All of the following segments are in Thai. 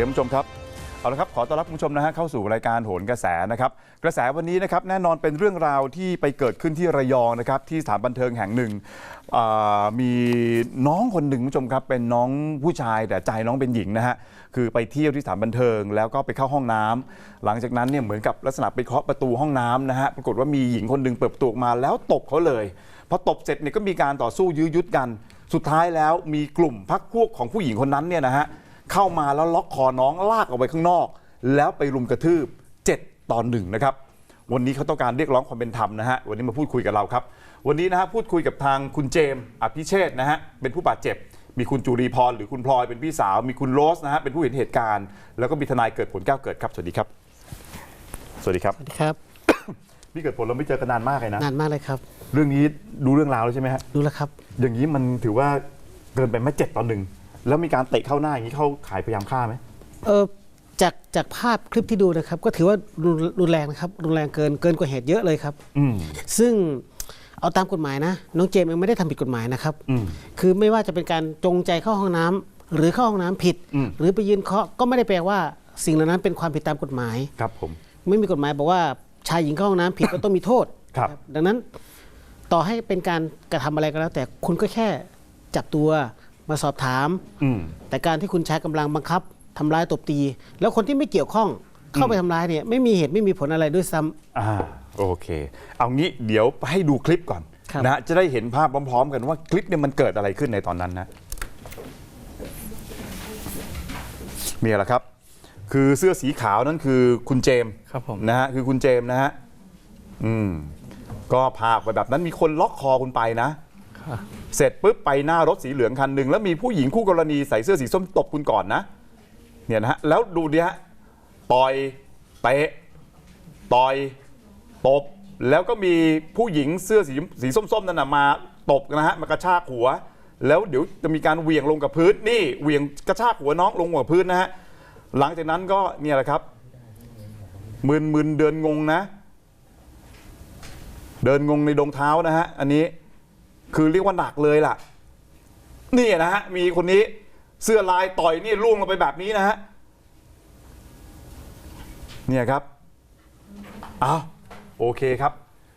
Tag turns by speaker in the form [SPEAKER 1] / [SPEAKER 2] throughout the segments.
[SPEAKER 1] ดีคุณผู้ชมครับเอาละครับขอต้อนรับคุณผู้ชมนะฮะเข้าสู่รายการโหนกระแสนะครับกระแสวันนี้นะครับแน่นอนเป็นเรื่องราวที่ไปเกิดขึ้นที่ระยองนะครับที่สถานบันเทิงแห่งหนึ่งมีน้องคนหนึ่งคุณผู้ชมครับเป็นน้องผู้ชายแต่ใจน้องเป็นหญิงนะฮะคือไปเที่ยวที่สถานบันเทิงแล้วก็ไปเข้าห้องน้ำหลังจากนั้นเนี่ยเหมือนกับลักษณะไปเคาะประตูห้องน้ำนะฮะปรากฏว่ามีหญิงคนหนึ่งเปิดประตูออกมาแล้วตบเขาเลยพอตบเสร็จเนี่ยก็มีการต่อสู้ยื้อยุดกันสุดท้ายแล้วมีกลุ่มพรรคพวกของผู้หญิงคนนั้นเนี่ยนะฮะเข้ามาแล้วล็อกคอน้องลากออกไปข้างนอกแล้วไปรุมกระทืบ7-1นะครับวันนี้เขาต้องการเรียกร้องความเป็นธรรมนะฮะวันนี้มาพูดคุยกับเราครับวันนี้นะฮะพูดคุยกับทางคุณเจมส์อภิเชษฐ์นะฮะเป็นผู้บาดเจ็บมีคุณจุรีพรหรือคุณพลอยเป็นพี่สาวมีคุณโรสนะฮะเป็นผู้เห็นเหตุการณ์แล้วก็มีทนายเกิดผลแก้วเกิดครับสวัสดีครับสวัสดีครับ
[SPEAKER 2] สวัสดีครับ
[SPEAKER 1] พี่เกิดผลเราไม่เจอกันนานมากเลยนะ
[SPEAKER 2] นานมากเลยครับ
[SPEAKER 1] เรื่องนี้ดูเรื่องราวแล้วใช่ไหมฮะ
[SPEAKER 2] ดูแล้วครับ
[SPEAKER 1] อย่างนี้มันถือว่าเกินไปไหม7-1แล้วมีการเตะเข้าหน้าอย่างนี้เข้าขายพยายามฆ่าไหม
[SPEAKER 2] จากภาพคลิปที่ดูนะครับก็ถือว่ารุนแรงนะครับรุนแรงเกินกว่าเหตุเยอะเลยครับซึ่งเอาตามกฎหมายนะน้องเจมส์เองไม่ได้ทำผิดกฎหมายนะครับคือไม่ว่าจะเป็นการจงใจเข้าห้องน้ำหรือเข้าห้องน้ำผิดหรือไปยืนเคาะก็ไม่ได้แปลว่าสิ่งเหล่านั้นเป็นความผิดตามกฎหมาย
[SPEAKER 1] ครับผม
[SPEAKER 2] ไม่มีกฎหมายบอกว่าชายหญิงเข้าห้องน้ำผิด ก็ต้องมีโทษดังนั้นต่อให้เป็นการกระทำอะไรก็แล้วแต่คุณก็แค่จับตัวมาสอบถามแต่การที่คุณใช้กำลังบังคับทำร้ายตบตีแล้วคนที่ไม่เกี่ยวข้องเข้าไปทำร้ายเนี่ยไม่มีเหตุไม่มีผลอะไรด้วยซ้
[SPEAKER 1] ำโอเคเอางี้เดี๋ยวให้ดูคลิปก่อนนะจะได้เห็นภาพพร้อมๆกันว่าคลิปเนี่ยมันเกิดอะไรขึ้นในตอนนั้นนะมีอะไรครับคือเสื้อสีขาวนั่นคือคุณเจมส์
[SPEAKER 3] ครับผม
[SPEAKER 1] นะฮะคือคุณเจมส์นะฮะก็พาไปแบบนั้นมีคนล็อกคอคุณไปนะเสร็จปุ๊บไปหน้ารถสีเหลืองคันหนึ่งแล้วมีผู้หญิงคู่กรณีใส่เสื้อสีส้มตบคุณก่อนนะเนี่ยนะฮะแล้วดูดิฮะต่อยเตะต่อยตบแล้วก็มีผู้หญิงเสื้อสีส้มๆนั่นนะมาตบนะฮะมากระชากหัวแล้วเดี๋ยวจะมีการเหวี่ยงลงกับพื้นนี่เหวี่ยงกระชากหัวน้องลงกับพื้นนะฮะหลังจากนั้นก็เนี่ยแหละครับมึนเดินงงนะเดินงงในดงเท้านะฮะอันนี้คือเรียกว่าหนักเลยล่ะนี่นะฮะมีคนนี้เสื้อลายต่อยนี่ล่วงลงไปแบบนี้นะฮะเนี่ยครับอ้าวโอเคครับ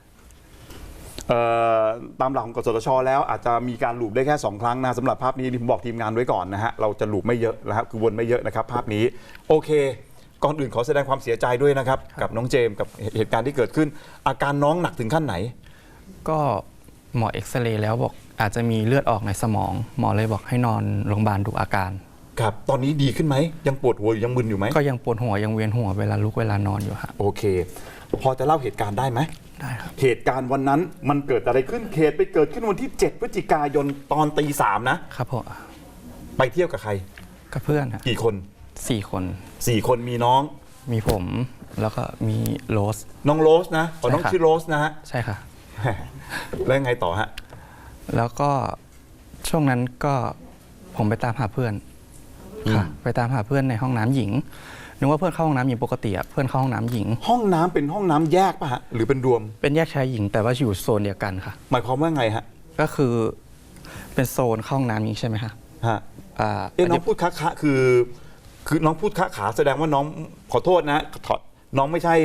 [SPEAKER 1] ตามหลักของกสทช.แล้วอาจจะมีการลูปได้แค่2ครั้งนะสำหรับภาพนี้ผมบอกทีมงานไว้ก่อนนะฮะเราจะลูปไม่เยอะนะครับคือวนไม่เยอะนะครับภาพนี้โอเคก่อนอื่นขอแสดงความเสียใจด้วยนะครับกับน้องเจมส์กับเหตุการณ์ที่เกิดขึ้นอาการน้องหนักถึงขั้นไหน
[SPEAKER 3] ก็หมอเอ็กซเรย์แล้วบอกอาจจะมีเลือดออกในสมองหมอเลยบอกให้นอนโรงพยาบาลดูอาการ
[SPEAKER 1] ครับตอนนี้ดีขึ้นไหมยังปวดหัวยังมึนอยู่ไหม
[SPEAKER 3] ก็ยังปวดหัวยังเวียนหัวเวลาลุกเวลานอนอยู่ครับ
[SPEAKER 1] โอเคพอจะเล่าเหตุการณ์ได้ไหม
[SPEAKER 3] ได้ครับ
[SPEAKER 1] เหตุการณ์วันนั้นมันเกิดอะไรขึ้นเหตุไปเกิดขึ้นวันที่7 พฤศจิกายนตอนตี 3นะครับ
[SPEAKER 3] ผม
[SPEAKER 1] ไปเที่ยวกับใคร
[SPEAKER 3] กับเพื่อน
[SPEAKER 1] กี่คน
[SPEAKER 3] 4 คน
[SPEAKER 1] 4 คนมีน้อง
[SPEAKER 3] มีผมแล้วก็มีโรส
[SPEAKER 1] น้องโรสนะน้องชื่อโรสนะฮะ
[SPEAKER 3] ใช่ค่ะ
[SPEAKER 1] แล้วยังไงต่อฮะ
[SPEAKER 3] แล้วก็ช่วงนั้นก็ผมไปตามหาเพื่อนค่ะไปตามหาเพื่อนในห้องน้ำหญิงนึกว่าเพื่อนเข้าห้องน้ำหญิงปกติอะเพื่อนเข้าห้องน้ำหญิง
[SPEAKER 1] ห้องน้ำเป็นห้องน้ำแยกป่ะฮะหรือเป็นรวม
[SPEAKER 3] เป็นแยกชายหญิงแต่ว่าอยู่โซนเดียวกันค่ะ
[SPEAKER 1] หมายความว่าไงฮะ
[SPEAKER 3] ก็คือเป็นโซนเข้าห้องน้ำหญิงใช่ไหมคะ
[SPEAKER 1] น้องพูดคะคือน้องพูดขาแสดงว่าน้องขอโทษนะน้องไม่ใช่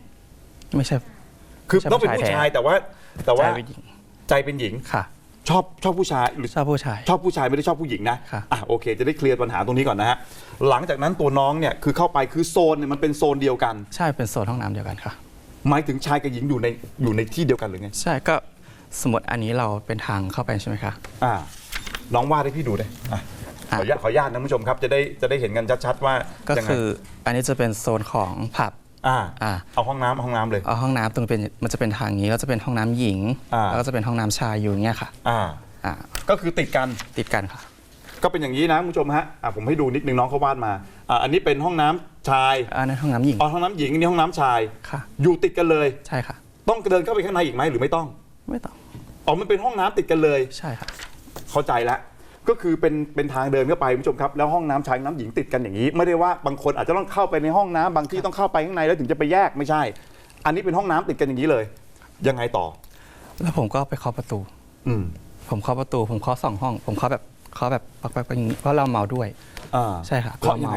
[SPEAKER 1] คือต้องเป็นผู้ชายแต่ว่าใจเป็นหญิง
[SPEAKER 3] ค่ะ
[SPEAKER 1] ชอบผู้ชายหรือ
[SPEAKER 3] ชอบผู้ชาย
[SPEAKER 1] ไม่ได้ชอบผู้หญิงนะโอเคจะได้เคลียร์ปัญหาตรงนี้ก่อนนะฮะหลังจากนั้นตัวน้องเนี่ยคือเข้าไปคือโซนเนี่ยมันเป็นโซนเดียวกัน
[SPEAKER 3] ใช่เป็นโซนห้องน้ำเดียวกันค่ะ
[SPEAKER 1] หมายถึงชายกับหญิงอยู่ในที่เดียวกันหรือไง
[SPEAKER 3] ใช่ก็สมมติอันนี้เราเป็นทางเข้าไปใช่ไหมคะ
[SPEAKER 1] น้องวาดให้พี่ดูได้ขออนุญาตนะคุณผู้ชมครับจะได้เห็นกันชัดๆว่า
[SPEAKER 3] ก็คืออันนี้จะเป็นโซนของผับ
[SPEAKER 1] เอาห้องน้ำเลย
[SPEAKER 3] เอาห้องน้ำตรงเป็นมันจะเป็นทางนี้แล้วจะเป็นห้องน้ำหญิงแล้วก็จะเป็นห้องน้ำชายอยู่เงี้ยค่ะ
[SPEAKER 1] ก็คือติดกัน
[SPEAKER 3] ค่ะ
[SPEAKER 1] ก็เป็นอย่างนี้นะคุณผู้ชมฮะผมให้ดูนิดนึงน้องเขาวาดมาอันนี้เป็นห้องน้ำชาย
[SPEAKER 3] อันนี้ห้องน้ำหญิง
[SPEAKER 1] ห้องน้ำหญิงอันนี้ห้องน้ำชาย
[SPEAKER 3] ค่ะ
[SPEAKER 1] อยู่ติดกันเลย
[SPEAKER 3] ใช่ค่ะ
[SPEAKER 1] ต้องเดินเข้าไปข้างในอีกไหมหรือไม่ต้องมันเป็นห้องน้ำติดกันเลย
[SPEAKER 3] ใช่ค่ะ
[SPEAKER 1] เข้าใจแล้วก็คือเป็นทางเดินเข้าไปคุณผู้ชมครับแล้วห้องน้ำชายน้ำหญิงติดกันอย่างนี้ไม่ได้ว่าบางคนอาจจะต้องเข้าไปในห้องน้ำบางที่ต้องเข้าไปข้างในแล้วถึงจะไปแยกไม่ใช่อันนี้เป็นห้องน้ำติดกันอย่างนี้เลยยังไงต่อ
[SPEAKER 3] แล้วผมก็ไปเคาะประตูผมเคาะประตูผมเคาะ2 ห้องผมเคาะแบบปักอย่างนี้เพราะเราเมาด้วย
[SPEAKER 1] ใช่ค่ะ
[SPEAKER 3] เราเมา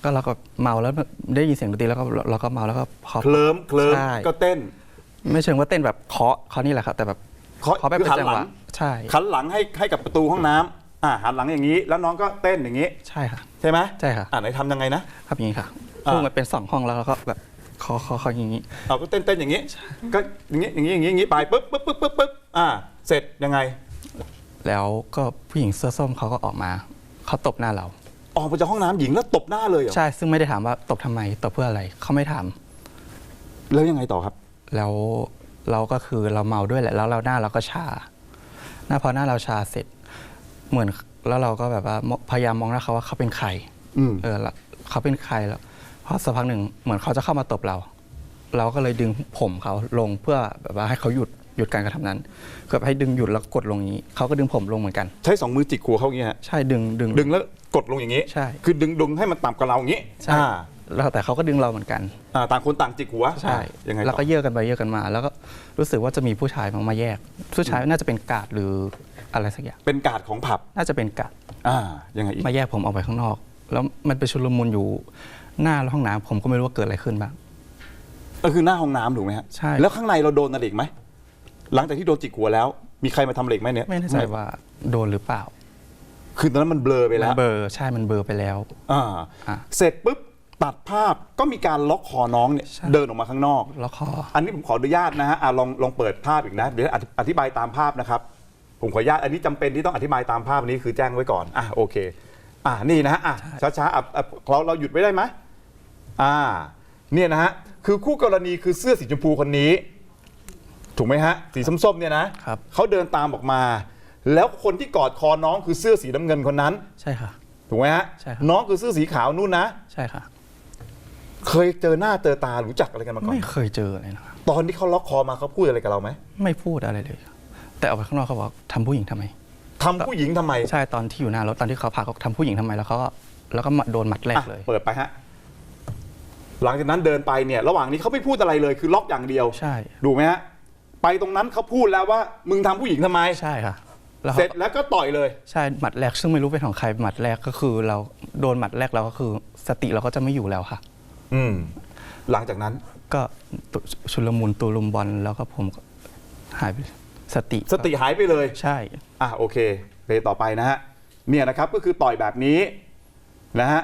[SPEAKER 3] ก็เราก็เมาแล้วได้ยินเสียงดนตรีแล้วก็เราก็เมาแล้วก็พอ
[SPEAKER 1] เคลิ้ม
[SPEAKER 3] ใช่
[SPEAKER 1] ก็เต้น
[SPEAKER 3] ไม่เชิงว่าเต้นแบบเคาะนี่แหละครับแต่แบบเคาะแบบ
[SPEAKER 1] คือ
[SPEAKER 3] เป็น
[SPEAKER 1] หัน
[SPEAKER 3] จัง
[SPEAKER 1] ห
[SPEAKER 3] ห
[SPEAKER 1] ลั
[SPEAKER 3] วะ
[SPEAKER 1] ง
[SPEAKER 3] ใช่
[SPEAKER 1] หันหลังให้กับประตูห้องน้ำหันหลังอย่างนี้ แล้วน้องก็เต้นอย่างนี้
[SPEAKER 3] ใช่ค่ะ
[SPEAKER 1] ใช่ไหม
[SPEAKER 3] ใช่ค่ะ
[SPEAKER 1] ไหนทำยังไงนะครับ
[SPEAKER 3] อย่างนี้ค่ะ
[SPEAKER 1] อ่า
[SPEAKER 3] พุ่งมันเป็น2ห้องแล้วเราก็แบบเคาะอย่างนี้
[SPEAKER 1] เอาก็เต้นอย่างนี้ ก็อย่างนี้ไปปึ๊บเสร็จยังไง
[SPEAKER 3] แล้วก็ผู้หญิงเสื้อส้มเขาก็ออกมาเขาตบหน้าเรา
[SPEAKER 1] ออกมาจากห้องน้ำหญิงแล้วตบหน้าเลยเหรอ
[SPEAKER 3] ใช่ซึ่งไม่ได้ถามว่าตบทำไมตบเพื่ออะไรเขาไม่ถาม
[SPEAKER 1] แล้วยังไงต่อครับ
[SPEAKER 3] แล้วเราก็คือเราเมาด้วยแหละแล้วเราหน้าเราก็ชาพอหน้าเราชาเสร็จเหมือนแล้วเราก็แบบว่าพยายามมองหน้าเขาว่าเขาเป็นใคร แล้วเขาเป็นใครแล้วพอสักพักหนึ่งเหมือนเขาจะเข้ามาตบเราก็เลยดึงผมเขาลงเพื่อแบบว่าให้เขาหยุดการกระทำนั้นคือให้ดึงหยุดแล้วกดลงอย่างนี้เขาก็ดึงผมลงเหมือนกัน
[SPEAKER 1] ใช้2 มือจิกหัวเขาอย่างนี้ฮะ
[SPEAKER 3] ใช่ดึง
[SPEAKER 1] แล้วกดลงอย่างนี้
[SPEAKER 3] ใช่
[SPEAKER 1] คือดึงให้มันต่ำกว่าเราอย่างนี้
[SPEAKER 3] ใช่แล้วแต่เขาก็ดึงเราเหมือนกัน
[SPEAKER 1] ต่างคนต่างจิกหัว
[SPEAKER 3] ใช่
[SPEAKER 1] ยังไงต่อ
[SPEAKER 3] แล้วก็เยอะกันไปเยอะกันมา แล้วก็รู้สึกว่าจะมีผู้ชายมาแยกผู้ชายน่าจะเป็นกาดหรืออะไรสักอย่าง
[SPEAKER 1] เป็นการ์ดของผับ
[SPEAKER 3] น่าจะเป็นกาด
[SPEAKER 1] ยังไงอีก
[SPEAKER 3] มาแยกผมออกไปข้างนอก แล้วมันไปชุลมุนอยู่หน้าห้องน้ำผมก็ไม่รู้ว่าเกิดอะไรขึ้นบ้าง
[SPEAKER 1] ก็คือหน้าห้องน้ำถูกไหมฮะ
[SPEAKER 3] ใช่
[SPEAKER 1] แล้วข้างในเราโดนอะไรอีกไหมหลังจากที่โดนจิกหัวแล้ว มีใครมาทำอะไรอีกไหมเนี่ย
[SPEAKER 3] ไม่แน่ใจว่าโดนหรือเปล่า
[SPEAKER 1] คือตอนนั้นมันเบลอไป
[SPEAKER 3] มั
[SPEAKER 1] แล้
[SPEAKER 3] น
[SPEAKER 1] ว
[SPEAKER 3] เบลอใช่มันเบลอไปแล้ว
[SPEAKER 1] เสร็จปุ๊บตัดภาพก็มีการล็อกคอน้องเนี่ย
[SPEAKER 3] ใช่
[SPEAKER 1] เดินออกมาข้างนอก
[SPEAKER 3] แล้วคอ
[SPEAKER 1] อันนี้ผมขออนุญาตนะฮะลองเปิดภาพอีกนะเดี๋ยวอธิบายตามภาพนะครับผมขออนุญาตอันนี้จำเป็นที่ต้องอธิบายตามภาพนี้คือแจ้งไว้ก่อนโอเคนี่นะฮะช้าๆเราหยุดไว้ได้ไหมเนี่ยนะฮะคือคู่กรณีคือเสื้อสีชมพูคนนี้ถูกไหมฮะสีส้มๆเนี่ยนะครับ เขาเดินตามออกมา แล้วคนที่กอดคอน้องคือเสื้อสีน้ำเงินคนนั้น
[SPEAKER 3] ใช่ค่ะ
[SPEAKER 1] ถูกไหมฮะ
[SPEAKER 3] ใช่ครับ
[SPEAKER 1] น้องคือเสื้อสีขาวนู่นนะ
[SPEAKER 3] ใช่ค่ะ
[SPEAKER 1] เคยเจอหน้าเจอตารู้จักอะไรกันมาก่อน
[SPEAKER 3] ไม่เคยเจอเลยนะครับ
[SPEAKER 1] ตอนที่เขาล็อกคอมาเขาพูดอะไรกับเราไหม
[SPEAKER 3] ไม่พูดอะไรเลย แต่ออกไปข้างนอกเขาบอกทำผู้หญิงทำไม
[SPEAKER 1] ทำผู้หญิงทำไม
[SPEAKER 3] ใช่ตอนที่อยู่หน้ารถตอนที่เขาพาเขาทำผู้หญิงทำไมแล้วก็โดนหมัดแรกเลย
[SPEAKER 1] เปิดไปฮะหลังจากนั้นเดินไปเนี่ยระหว่างนี้เขาไม่พูดอะไรเลยคือล็อกอย่างเดียว
[SPEAKER 3] ใช่
[SPEAKER 1] ดูไหมฮะไปตรงนั้นเขาพูดแล้วว่ามึงทำผู้หญิงทำไม
[SPEAKER 3] ใช่ค่ะ
[SPEAKER 1] เสร็จแล้วก็ต่อยเลย
[SPEAKER 3] ใช่หมัดแรกซึ่งไม่รู้เป็นของใครหมัดแรกก็คือเราโดนหมัดแรกเราก็คือสติเราก็จะไม่อยู่แล้วค่ะ
[SPEAKER 1] หลังจากนั้น
[SPEAKER 3] ก็ชุลมุนตูลุมบอลแล้วก็ผมก็หายไปสติ
[SPEAKER 1] หายไปเลย
[SPEAKER 3] ใช่
[SPEAKER 1] โอเคไปต่อไปนะฮะเนี่ยนะครับก็คือต่อยแบบนี้นะฮะ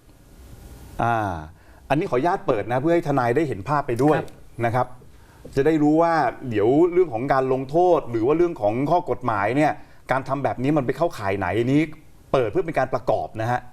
[SPEAKER 1] อันนี้ขออนุญาตเปิดนะเพื่อให้ทนายได้เห็นภาพไปด้วยนะครับ จะได้รู้ว่าเดี๋ยวเรื่องของการลงโทษหรือว่าเรื่องของข้อกฎหมายเนี่ยการทำแบบนี้มันไปเข้าข่ายไหนนี้เปิดเพื่อเป็นการประกอบนะฮะ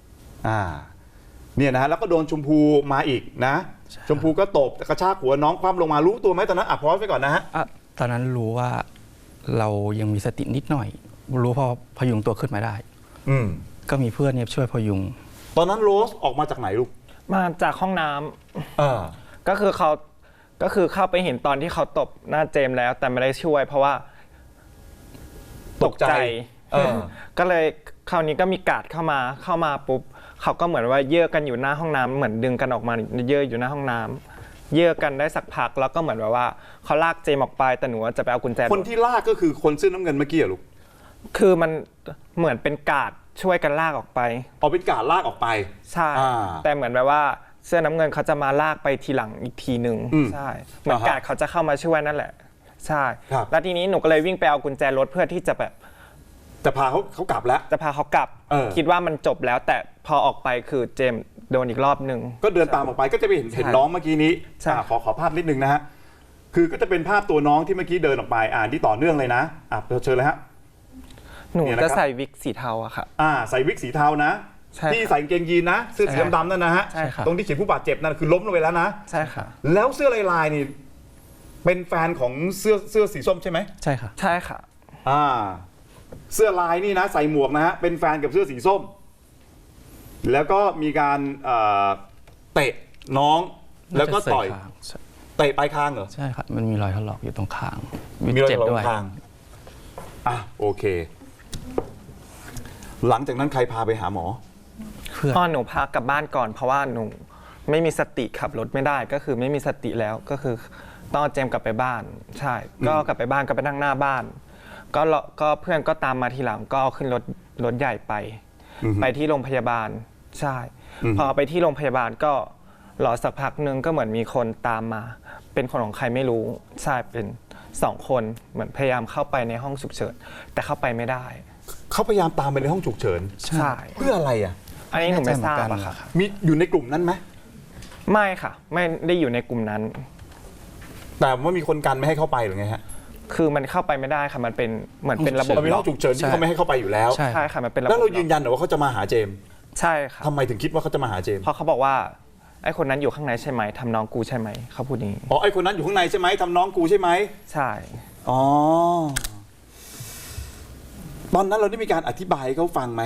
[SPEAKER 1] เนี่ยนะฮะแล้วก็โดนชมพูมาอีกนะชมพูก็ตบกระชากหัวน้องคว่ำลงมารู้ตัวไหมตอนนั้นพอสไปก่อนนะฮะ
[SPEAKER 3] ตอนนั้นรู้ว่าเรายังมีสตินิดหน่อยรู้พอพยุงตัวขึ้นมาได้ก็มีเพื่อนเนี่ยช่วยพยุง
[SPEAKER 1] ตอนนั้นโรสออกมาจากไหนลูก
[SPEAKER 4] มาจากห้องน้ำก็คือเข้าไปเห็นตอนที่เขาตบหน้าเจมส์แล้ว แต่ไม่ได้ช่วย เพราะว่าตกใจก็เลยคราวนี้ก็มีการ์ดเข้ามาปุ๊บเขาก็เหมือนว่าเยื่อกันอยู่หน้าห้องน้ำเหมือนดึงกันออกมาเยื่ออยู่หน้าห้องน้ำเยื่อกันได้สักพักแล้วก็เหมือนแบบว่าเขาลากเจมส์ออกไปแต่หนูจะไปเอากุญแจ
[SPEAKER 1] คนที่ลากก็คือคนเสื้อน้ำเงินเมื่อกี้เหรอลูก
[SPEAKER 4] คือมันเหมือนเป็นการ์ดช่วยกันลากออกไป
[SPEAKER 1] เป็นการลากออกไป
[SPEAKER 4] ใช่แต่เหมือนแบบว่าเสื้อน้ำเงินเขาจะมาลากไปทีหลังอีกทีหนึ่งใช่เหมือนการ์ดเขาจะเข้ามาช่วยนั่นแหละใช่แล้วทีนี้หนูก็เลยวิ่งไปเอากุญแจรถเพื่อที่จะแบบ
[SPEAKER 1] จะพาเขากลับแล้ว
[SPEAKER 4] จะพาเขากลับคิดว่ามันจบแล้วแต่พอออกไปคือเจมส์โดนอีกรอบหนึ่ง
[SPEAKER 1] ก็เดินตามออกไปก็จะไปเห็นน้องเมื่อกี้นี้ขอภาพนิดนึงนะฮะคือก็จะเป็นภาพตัวน้องที่เมื่อกี้เดินออกไปที่ต่อเนื่องเลยนะเชิญเลยฮะ
[SPEAKER 4] หนูจะใส่วิกสีเทาอะค่ะ
[SPEAKER 1] ใส่วิกสีเทานะที่ใส่กางเกงยีนนะเสื้อสีดำๆนั่นนะฮะตรงที่เขียนผู้บาดเจ็บนั่นคือล้มลงไปแล้วนะ
[SPEAKER 4] ใช่ค่ะ
[SPEAKER 1] แล้วเสื้อลายๆนี่เป็นแฟนของเสื้อสีส้มใช่ไหม
[SPEAKER 3] ใช่ค่ะ
[SPEAKER 4] ใช่ค่ะ
[SPEAKER 1] เสื้อลายนี่นะใส่หมวกนะฮะเป็นแฟนกับเสื้อสีส้มแล้วก็มีการเตะน้องแล้วก็ต่อยเตะปลายคางเหรอ
[SPEAKER 3] ใช่ครับมันมีรอยถลอกอยู่ตรงคาง
[SPEAKER 1] มีรอยถลอกตรงคางโอเคหลังจากนั้นใครพาไปหาหมอ
[SPEAKER 4] พ่อหนูพากลับบ้านก่อนเพราะว่าหนูไม่มีสติขับรถไม่ได้ก็คือไม่มีสติแล้วก็คือต้องเจมกลับไปบ้านใช่ก็กลับไปบ้านก็ไปนั่งหน้าบ้านก็เพื่อนก็ตามมาทีหลังก็ขึ้นรถใหญ่ไปที่โรงพยาบาลใช่พอไปที่โรงพยาบาลก็รอสักพักนึงก็เหมือนมีคนตามมา เป็นคนของใครไม่รู้ใช่เป็น2 คนเหมือนพยายามเข้าไปในห้องฉุกเฉินแต่เข้าไปไม่ได้
[SPEAKER 1] เขาพยายามตามไปในห้องฉุกเฉิน
[SPEAKER 4] ใช่
[SPEAKER 1] เพื่ออะไรอ่ะ
[SPEAKER 4] อันนี้หนูไม่ทราบ
[SPEAKER 3] แน่ใจเหมื
[SPEAKER 4] อะ
[SPEAKER 3] อนกัน
[SPEAKER 4] ค่ะ
[SPEAKER 1] มีอยู่ในกลุ่มนั้นไหม
[SPEAKER 4] ไม่ค่ะ ไม่ได้อยู่ในกลุ่มนั้น
[SPEAKER 1] แต่ว่ามีคนกันไม่ให้เข้าไปหรือไงฮะ
[SPEAKER 4] คือมันเข้าไปไม่ได้ค่ะมันเป็นเหมือนเป็นระบบ
[SPEAKER 1] เรามีห้องฉุกเฉินที่เขาไม่ให้เข้าไปอยู่แล้ว
[SPEAKER 3] ใช่
[SPEAKER 4] ใช่ค่ะมันเป็นระบบ
[SPEAKER 1] แล้วเรายืนยันเหรอว่าเขาจะมาหาเจมส์
[SPEAKER 4] ใช่ค่ะ
[SPEAKER 1] ทำไมถึงคิดว่าเขาจะมาหาเจมส์
[SPEAKER 4] เพราะเขาบอกว่าไอ้คนนั้นอยู่ข้างในใช่ไหมทำน้องกูใช่ไหมเขาพูดอย่างนี้
[SPEAKER 1] อ๋อไอคนนั้นอยู่ข้างในใช่ไหมทำน้องกูใช่ไหม
[SPEAKER 4] ใช่
[SPEAKER 1] อ๋อตอนนั้นเราได้มีการอธิบายให้เขาฟังไหม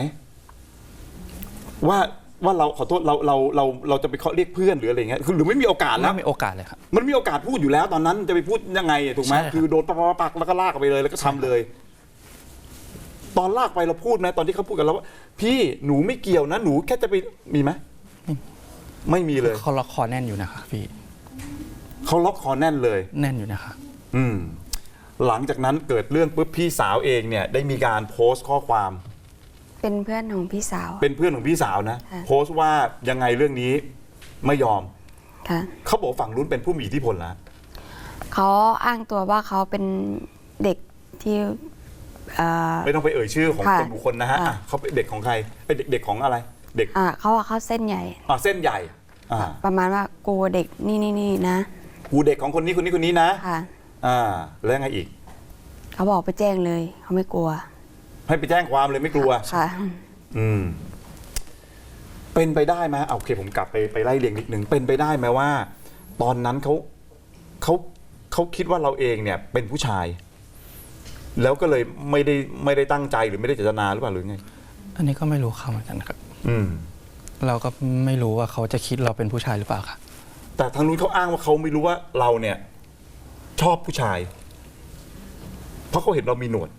[SPEAKER 1] ว่าเราขอโทษเราจะไปเรียกเพื่อนหรืออะไรเงี้ยคือหรือไม่มีโอกาสแล้ว
[SPEAKER 3] ไม่มีโอกาสเลยครับ
[SPEAKER 1] มันมีโอกาสพูดอยู่แล้ว ตอนนั้นจะไปพูดยังไงอะถูกไหม
[SPEAKER 3] ใช่ครับ
[SPEAKER 1] คือโดนปักแล้วก็ลากออกไปเลยแล้วก็ทำเลย ตอนลากไปเราพูดไหมตอนที่เขาพูดกับเราว่าพี่หนูไม่เกี่ยวนะหนูแค่จะไปมีไหมไม่มีเลย
[SPEAKER 3] เขาล็อกคอแน่นอยู่นะคะพี่
[SPEAKER 1] เขาล็อกคอแน่นเลย
[SPEAKER 3] แน่นอยู่นะคะ
[SPEAKER 1] อืมหลังจากนั้นเกิดเรื่องปุ๊บพี่สาวเองเนี่ยได้มีการโพสต์ข้อความ
[SPEAKER 5] เป็นเพื่อนของพี่สาว
[SPEAKER 1] เป็นเพื่อนของพี่สาวนะ
[SPEAKER 5] ค่ะ
[SPEAKER 1] โพสต์ว่ายังไงเรื่องนี้ไม่ยอม
[SPEAKER 5] ค่ะ
[SPEAKER 1] เขาบอกฝั่งนู้นเป็นผู้มีอิทธิพลแล้ว
[SPEAKER 5] เขาอ้างตัวว่าเขาเป็นเด็กที่
[SPEAKER 1] ไม่ต้องไปเอ่ยชื่อของ
[SPEAKER 5] ค่ะ
[SPEAKER 1] คนบุคคลนะฮะ
[SPEAKER 5] ค่ะ
[SPEAKER 1] อ่ะเขาเป็นเด็กของใครเป็นเด็กของอะไร เด็ก
[SPEAKER 5] เขาว่าเขาเส้นใหญ่
[SPEAKER 1] เส้นใหญ่อ่า
[SPEAKER 5] ประมาณว่ากูเด็กนี่นะ
[SPEAKER 1] กูเด็กของคนนี้คนนี้คนนี้นะ
[SPEAKER 5] ค่ะ
[SPEAKER 1] แล้วยังไงอีก
[SPEAKER 5] เขาบอกไปแจ้งเลยเขาไม่กลัว
[SPEAKER 1] ให้ไปแจ้งความเลยไม่กลัว
[SPEAKER 5] ค่ะ
[SPEAKER 1] อืมเป็นไปได้ไหมโอเคผมกลับไปไล่เรียงนิดนึงเป็นไปได้ไหมว่า ตอนนั้นเขาคิดว่าเราเองเนี่ย เป็นผู้ชาย แล้วก็เลยไม่ได้ตั้งใจหรือไม่ได้เจตนาหรือเปล่าหรือไง
[SPEAKER 3] อันนี้ก็ไม่รู้เขาเหมือนกันครับ
[SPEAKER 1] อืม
[SPEAKER 3] เราก็ไม่รู้ว่าเขาจะคิดเราเป็นผู้ชายหรือเปล่าค่ะ
[SPEAKER 1] แต่ทางนู้นเขาอ้างว่าเขาไม่รู้ว่าเราเนี่ย ชอบผู้ชาย เพราะเขาเห็นเรามีหนวด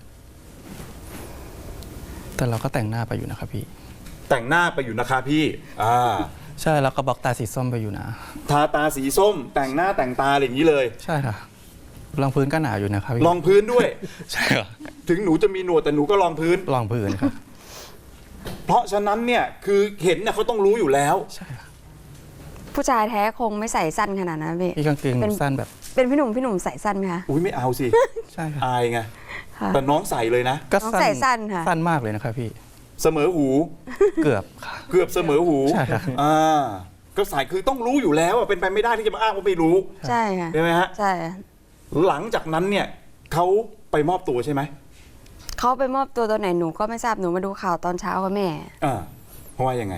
[SPEAKER 3] แต่เราก็แต่งหน้าไปอยู่นะครับพี่
[SPEAKER 1] แต่งหน้าไปอยู่นะคะพี่
[SPEAKER 3] ใช่แล้วก็บล็อกตาสีส้มไปอยู่นะ
[SPEAKER 1] ทาตาสีส้ม แต่งหน้าแต่งตาอะไรอย่างนี้เลย
[SPEAKER 3] ใช่ค่ะรองพื้นก็หนาอยู่นะครับพี่
[SPEAKER 1] รองพื้นด้วย
[SPEAKER 3] ใช่ค่ะ
[SPEAKER 1] ถึงหนูจะมีหนวดแต่หนูก็รองพื้น
[SPEAKER 3] รองพื้นครับ
[SPEAKER 1] เพราะฉะนั้นเนี่ยคือเห็นเนี่ยเขาต้องรู้อยู่แล้ว
[SPEAKER 3] ใช่ค่ะ
[SPEAKER 5] ผู้ชายแท้คงไม่ใส่สั้นขนาดนั้นพี่
[SPEAKER 3] พี่กางเกงสั้นแบบ
[SPEAKER 5] เป็นพี่หนุ่มใส่สั้นไหมคะ
[SPEAKER 1] อุ้ยไม่เอาสิ
[SPEAKER 3] ใช่ค่ะ
[SPEAKER 1] อายไง
[SPEAKER 5] ค่ะ
[SPEAKER 1] แต่น้องใส่เลยนะ
[SPEAKER 3] ก็
[SPEAKER 5] น้องใส่สั้นค่ะ
[SPEAKER 3] สั้นมากเลยนะครับพี่
[SPEAKER 1] เสมอหู
[SPEAKER 3] เกือบค่ะ
[SPEAKER 1] เกือบเสมอหู
[SPEAKER 3] ใช่ครับ
[SPEAKER 1] ก็ใส่คือต้องรู้อยู่แล้วเป็นไปไม่ได้ที่จะมาอ้างว่าไม่รู้
[SPEAKER 5] ใช่ค่ะ
[SPEAKER 1] ใช่ไหมฮะ
[SPEAKER 5] ใช่
[SPEAKER 1] หลังจากนั้นเนี่ยเขาไปมอบตัวใช่ไหม
[SPEAKER 5] เขาไปมอบตัวตอนไหนหนูก็ไม่ทราบหนูมาดูข่าวตอนเช้ากับแม่
[SPEAKER 1] เพราะว่ายังไง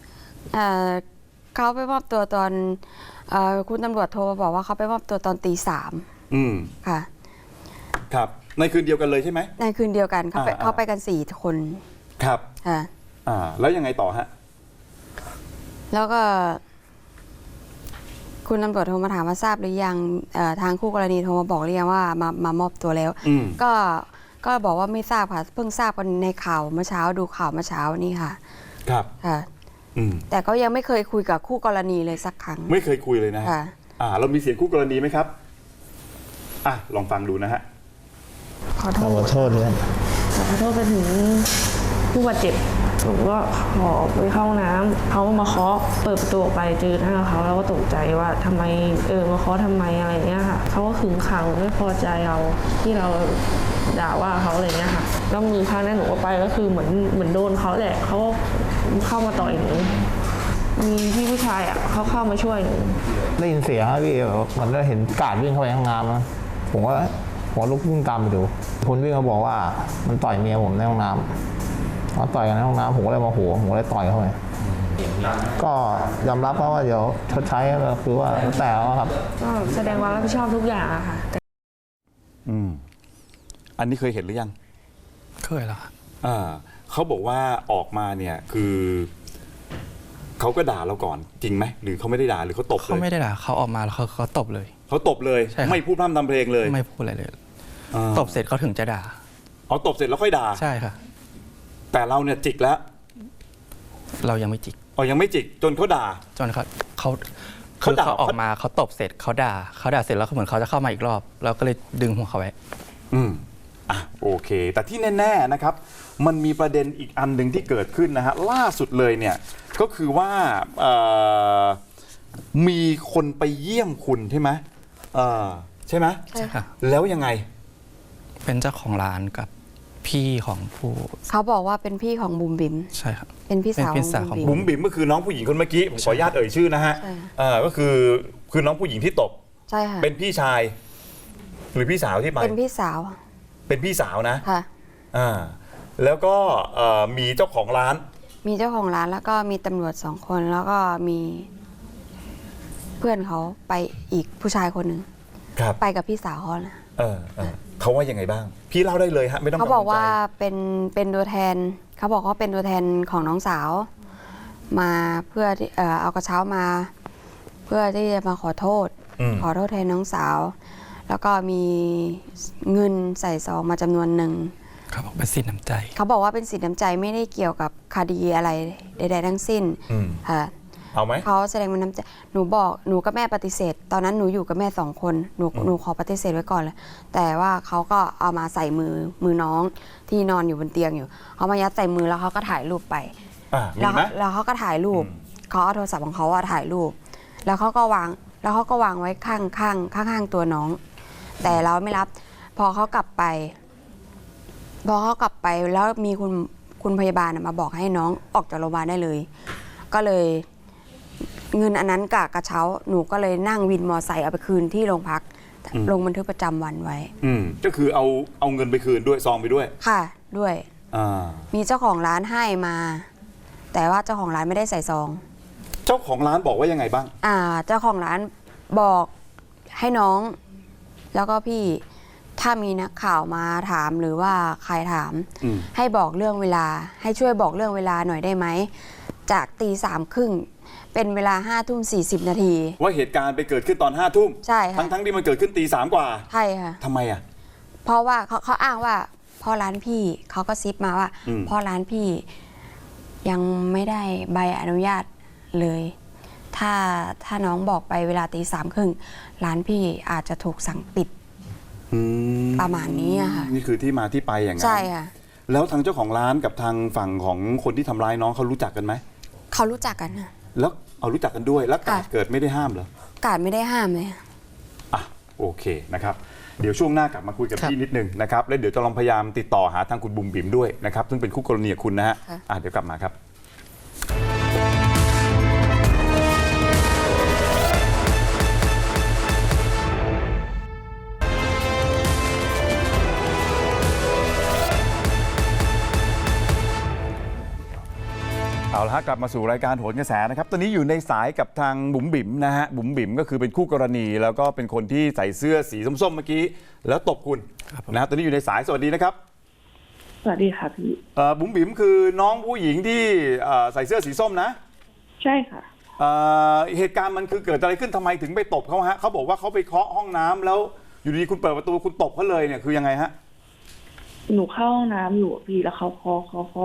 [SPEAKER 5] เขาไปมอบตัวตอนคุณตำรวจโทรมาบอกว่าเขาไปมอบตัวตอนตี 3
[SPEAKER 1] อืม
[SPEAKER 5] ค่ะ
[SPEAKER 1] ครับในคืนเดียวกันเลยใช่ไหม
[SPEAKER 5] ในคืนเดียวกัน
[SPEAKER 1] อ่า
[SPEAKER 5] เขาไปกัน4 คน
[SPEAKER 1] ครับ
[SPEAKER 5] ค่ะ
[SPEAKER 1] แล้วยังไงต่อฮะ
[SPEAKER 5] แล้วก็คุณตำรวจโทรมาถามว่าทราบหรือยังทางคู่กรณีโทรมาบอกหรือยังว่ามามอบตัวแล้ว
[SPEAKER 1] อืม
[SPEAKER 5] ก็บอกว่าไม่ทราบค่ะ เพิ่งทราบกันในข่าวเมื่อเช้าดูข่าวเมื่อเช้านี่ค่ะ
[SPEAKER 1] ครับ
[SPEAKER 5] ค่ะ
[SPEAKER 1] อืม
[SPEAKER 5] แต่ก็ยังไม่เคยคุยกับคู่กรณีเลยสักครั้ง
[SPEAKER 1] ไม่เคยคุยเลยนะฮะ
[SPEAKER 5] ค่ะ
[SPEAKER 1] เรามีเสียงคู่กรณีไหมครับลองฟังดูนะฮะ
[SPEAKER 6] ขอโทษเลยขอโทษไปถึงผู้บาดเจ็บหนูก็ขอไปเข้าห้องน้ำเขามาเคาะเปิดประตูออกไปเจอหน้าเขาแล้วก็ตกใจว่าทำไมมาเคาะทำไมอะไรเงี้ยค่ะเขาก็ขึงขังไม่พอใจเราที่เราด่าว่าเขาอะไรเงี้ยค่ะแล้วมือข้างนั้นหนูก็ไปก็คือเหมือนโดนเขาแหละเขาก็เข้ามาต่อยหนูมีพี่ผู้ชายเขาเข้ามาช่วยหนู
[SPEAKER 7] ได้ยินเสียงครับพี่มันก็เห็นกาดวิ่งเข้าไปในห้องน้ำนะผมก็ลุกวิ่งตามไปดูคนวิ่งเขาบอกว่ามันต่อยเมียผมในห้องน้ำเขาต่อยกันในห้องน้ำผมก็เลยโมโหผมก็เลยต่อยเข้าไปก็ยอมรับว่าเดี๋ยวชดใช้ก็คือว่าแต่แล้วครับ
[SPEAKER 6] ก็แสดงความรับผิดชอบทุกอย่างอะค่ะ
[SPEAKER 1] อันนี้เคยเห็นหรือยัง
[SPEAKER 3] เคยแล้วค่ะ
[SPEAKER 1] เขาบอกว่าออกมาเนี่ยคือเขาก็ด่าเราก่อนจริงไหมหรือเขาไม่ได้ด่าหรือเขาตบเล
[SPEAKER 3] เขา
[SPEAKER 1] ย
[SPEAKER 3] ไม่ได้ด่าเขาออกมาแล้วเขาตบเลย
[SPEAKER 1] เขาตบเลย
[SPEAKER 3] ใช่ครับ
[SPEAKER 1] ไม่พูดพร่ำทำเพลงเลย
[SPEAKER 3] ไม่พูดอะไรเลย
[SPEAKER 1] อ่า
[SPEAKER 3] ตบเสร็จเขาถึงจะด่า
[SPEAKER 1] เอาตบเสร็จแล้วค่อยด่า
[SPEAKER 3] ใช่ค่ะ
[SPEAKER 1] แต่เราเนี่ยจิกแล้ว
[SPEAKER 3] เรายังไม่จิก
[SPEAKER 1] ยังไม่จิกจนเขาด่า
[SPEAKER 3] จนเขา
[SPEAKER 1] เขา
[SPEAKER 3] คือ
[SPEAKER 1] ด่า
[SPEAKER 3] เขาออกมาเขาตบเสร็จเขาด่าเสร็จแล้วเหมือนเขาจะเข้ามาอีกรอบเราก็เลยดึงหัวเขาไว้
[SPEAKER 1] อืมโอเค แต่ที่แน่ๆนะครับมันมีประเด็นอีกอันหนึ่งที่เกิดขึ้นนะฮะล่าสุดเลยเนี่ยก็คือว่ามีคนไปเยี่ยมคุณใช่ไหมใช่ไหม
[SPEAKER 5] ใช่ค่ะ
[SPEAKER 1] แล้วยังไง
[SPEAKER 3] เป็นเจ้าของร้านกับพี่ของผู้
[SPEAKER 5] เขาบอกว่าเป็นพี่ของบุ๋มบิ๋ม
[SPEAKER 3] ใช่ครับ
[SPEAKER 5] เป็นพี่สาว
[SPEAKER 3] เป็นพี่สาว
[SPEAKER 5] ของ
[SPEAKER 3] ของ
[SPEAKER 5] บุ๋ม
[SPEAKER 1] บุ๋
[SPEAKER 5] บิ๋
[SPEAKER 1] ม
[SPEAKER 5] ม
[SPEAKER 1] บิ๋มก็คือน้องผู้หญิงคนเมื่อกี้ผมขออนุญาตเอ่ยชื่อนะฮะ
[SPEAKER 5] ใช่
[SPEAKER 1] ก็คือน้องผู้หญิงที่ตบ
[SPEAKER 5] ใช่ค่ะ
[SPEAKER 1] เป็นพี่ชาย หรือพี่สาวที่ไป
[SPEAKER 5] เป็นพี่สาว
[SPEAKER 1] เป็นพี่สาวนะ
[SPEAKER 5] ค่ะ
[SPEAKER 1] แล้วก็มีเจ้าของร้าน
[SPEAKER 5] มีเจ้าของร้านแล้วก็มีตำรวจ2 คนแล้วก็มีเพื่อนเขาไปอีกผู้ชายคนหนึ่ง
[SPEAKER 1] ครับ
[SPEAKER 5] ไปกับพี่สาวเขานะ
[SPEAKER 1] เขาว่ายังไงบ้าง พี่เล่าได้เลยฮะไม่ต้อง
[SPEAKER 5] เขาบอกว่า
[SPEAKER 1] กังวลใจ
[SPEAKER 5] เป็นตัวแทนเขาบอกว่าเป็นตัวแทนของน้องสาว มาเพื่อที่เอากระเช้ามา เพื่อที่จะมาขอโทษ ขอโทษแทนน้องสาว แล้วก็มีเงินใส่ซองมาจำนวนหนึ่ง
[SPEAKER 3] เขาบอกเป็นสินน้ำใจ
[SPEAKER 5] เขาบอกว่าเป็นสินน้ำใจไม่ได้เกี่ยวกับคดีอะไรใดๆทั้งสิ้นค่ะ
[SPEAKER 1] เอาไหม
[SPEAKER 5] เขาแสดงเป็นน้ำใจหนูกับแม่ปฏิเสธ ตอนนั้นหนูอยู่กับแม่2 คนหนูขอปฏิเสธไว้ก่อนเลยแต่ว่าเขาก็เอามาใส่มือน้องที่นอนอยู่บนเตียงอยู่เขามายัดใส่มือแล้วเขาก็ถ่ายรูปไป
[SPEAKER 1] มีไหม
[SPEAKER 5] แล้วเขาก็ถ่ายรูปเขาเอาโทรศัพท์ของเขาถ่ายรูป แล้วเขาก็วางไว้ข้างตัวน้อง แต่เราไม่รับพอเขากลับไปแล้วมีคุณพยาบาลมาบอกให้น้องออกจากโรงพยาบาลได้เลย ก็เลยเงินอันนั้นกับกระเช้าหนูก็เลยนั่งวินมอไซค์เอาไปคืนที่โรงพักลงบันทึกประจำวันไว้
[SPEAKER 1] ก็คือเอาเงินไปคืนด้วยซองไปด้วย
[SPEAKER 5] ค่ะด้วย
[SPEAKER 1] อ่า
[SPEAKER 5] มีเจ้าของร้านให้มา แต่ว่าเจ้าของร้านไม่ได้ใส่ซอง
[SPEAKER 1] เจ้าของร้านบอกว่ายังไงบ้าง
[SPEAKER 5] เจ้าของร้านบอกให้น้อง แล้วก็พี่ถ้ามีนักข่าวมาถามหรือว่าใครถาม ให้บอกเรื่องเวลา ให้ช่วยบอกเรื่องเวลาหน่อยได้ไหมจากตี 3:30เป็นเวลา5:40 นาที
[SPEAKER 1] ว่าเหตุการณ์ไปเกิดขึ้นตอน5 ทุ่ม
[SPEAKER 5] ใช่ค่ะ
[SPEAKER 1] ทั้งที่มันเกิดขึ้นตี 3กว่า
[SPEAKER 5] ใช่ค่ะ
[SPEAKER 1] ทำไมอ่ะ
[SPEAKER 5] เพราะว่าเขาอ้างว่าพ่อร้านพี่เขาก็ซิปมาว่าพ่อร้านพี่ยังไม่ได้ใบอนุญาตเลย ถ้าน้องบอกไปเวลาตี 3:30ร้านพี่อาจจะถูกสั่งปิดประมาณนี้อะค่ะ
[SPEAKER 1] นี่คือที่มาที่ไปอย่างนั้น
[SPEAKER 5] ใช่ค่ะ
[SPEAKER 1] แล้วทางเจ้าของร้านกับทางฝั่งของคนที่ทำร้ายน้องเขารู้จักกันไหม
[SPEAKER 5] เขารู้จักกันค่ะ
[SPEAKER 1] แล้วเอารู้จักกันด้วยแล้วกาด
[SPEAKER 5] ค่ะ
[SPEAKER 1] เกิดไม่ได้ห้ามเหรอ
[SPEAKER 5] กาดไม่ได้ห้ามเลยค่ะ
[SPEAKER 1] โอเคนะครับเดี๋ยวช่วงหน้ากลับมาคุยกับพี่นิดนึงนะครับแล้วเดี๋ยวจะลองพยายามติดต่อหาทางคุณบุ๋มบิ๋มด้วยนะครับซึ่งเป็นคู่กรณีกับคุณนะฮะเดี๋ยวกลับมาครับ เอาละฮะกลับมาสู่รายการโหนกระแสนะครับตอนนี้อยู่ในสายกับทางบุ๋มบิ๋มนะฮะบุ๋มบิ๋มก็คือเป็นคู่กรณีแล้วก็เป็นคนที่ใส่เสื้อสีส้มๆเมื่อกี้แล้วตบคุณนะฮะตอนนี้อยู่ในสายสวัสดีนะครับ
[SPEAKER 6] สวัสดีค่ะพี่
[SPEAKER 1] บุ๋มบิ๋มคือน้องผู้หญิงที่ใส่เสื้อสีส้มนะ
[SPEAKER 6] ใช่ค่ะ
[SPEAKER 1] เหตุการณ์มันคือเกิดอะไรขึ้นทำไมถึงไปตบเขาฮะเขาบอกว่าเขาไปเคาะห้องน้ำแล้วอยู่ดีๆคุณเปิดประตูคุณตบเขาเลยเนี่ยคือยังไงฮะ
[SPEAKER 6] หนูเข้าห้องน้ำอยู่พี่แล้วเขาเคาะ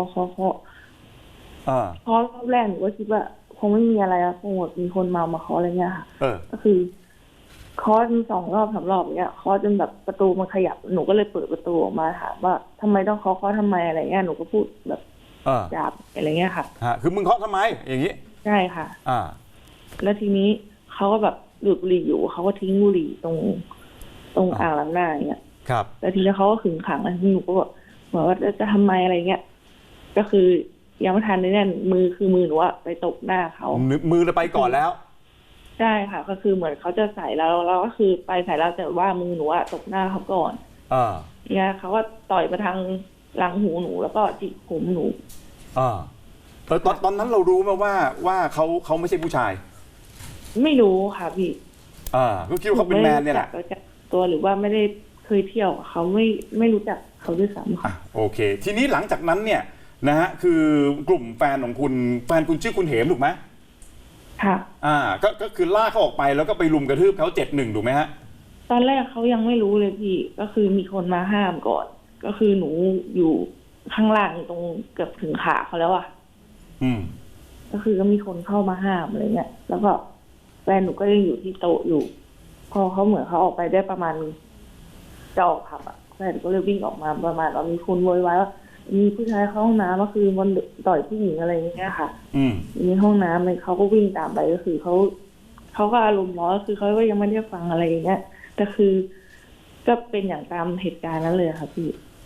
[SPEAKER 6] รอบแรกหนูก็คิดว่าคงไม่มีอะไรอะคงแบบมีคนเมามาเคาะอะไรเงี้ยค่ะก็คือเคาะ2 รอบ 3 รอบเงี้ยเคาะจนแบบประตูมันขยับหนูก็เลยเปิดประตูออกมาถามว่าทำไมต้องเคาะทำไมอะไรเงี้ยหนูก็พูดแบบหยาบอะไรเงี้ยค่ะ
[SPEAKER 1] คือมึงเคาะทำไมอย่างนี้
[SPEAKER 6] ใช่ค่ะ แล้วทีนี้เขาก็แบบดูดบุหรี่อยู่เขาก็ทิ้งบุหรี่ตรงอ่างล้างหน้าอย่างเงี้ย
[SPEAKER 1] ครับ
[SPEAKER 6] แล้วทีนี้เขาก็ขึงขังแล้วหนูก็แบบเหมือนว่าจะทำไมอะไรเงี้ยก็คือยังไม่ทันเลยเนี่ยมือหนูอะไปตบหน้าเขา
[SPEAKER 1] มือเราไปก่อนแล้ว
[SPEAKER 6] ใช่ค่ะก็คือเหมือนเขาจะใส่แล้วก็คือไปใส่แล้วแต่ว่ามือหนูอะตบหน้าเขาก่อนเนี่ยเขาก็ต่อยมาทางหลังหูหนูแล้วก็จิกผมหนู
[SPEAKER 1] ตอนนั้นเรารู้ไหมว่าเขาไม่ใช่ผู้ชาย
[SPEAKER 6] ไม่รู้ค่ะพี่
[SPEAKER 1] ก็คิดว่าเขาเป็นแมนเนี่ยแหละ
[SPEAKER 6] ตัวหรือว่าไม่ได้เคยเที่ยวเขาไม่รู้จักเขาด้วยซ้ำค่ะ
[SPEAKER 1] โอเคทีนี้หลังจากนั้นเนี่ยนะฮะคือกลุ่มแฟนของคุณแฟนคุณชื่อคุณเหมถูกไหม
[SPEAKER 6] ค่ะ
[SPEAKER 1] ก็คือลากเขาออกไปแล้วก็ไปรุมกระทืบเขา7-1ถูกไหมฮะ
[SPEAKER 6] ตอนแรกเขายังไม่รู้เลยพี่ก็คือมีคนมาห้ามก่อนก็คือหนูอยู่ข้างล่างตรงเกือบถึงขาเขาแล้วอ่ะก็คือก็มีคนเข้ามาห้ามอะไรเงี้ยแล้วก็แฟนหนูก็ยังอยู่ที่โต๊ะอยู่พอเขาเหมือนเขาออกไปได้ประมาณจะออกผับอ่ะคฟนก็เลยวิ่งออกมาประมาณว่ามีคนโวยวายว่ามีผู้ชายเข้าห้องน้ำก็คือมันต่อยผู้หญิงอะไรอย่างเงี้ยค่ะในห้องน้ำเลยเขาก็วิ่งตามไปก็คือเขาก็อารมณ์ร้อนคือเขาก็ยังไม่ได้ฟังอะไรอย่างเงี้ยแต่คือก็เป็นอย่างตามเหตุการณ์นั้นเลยค่ะพี่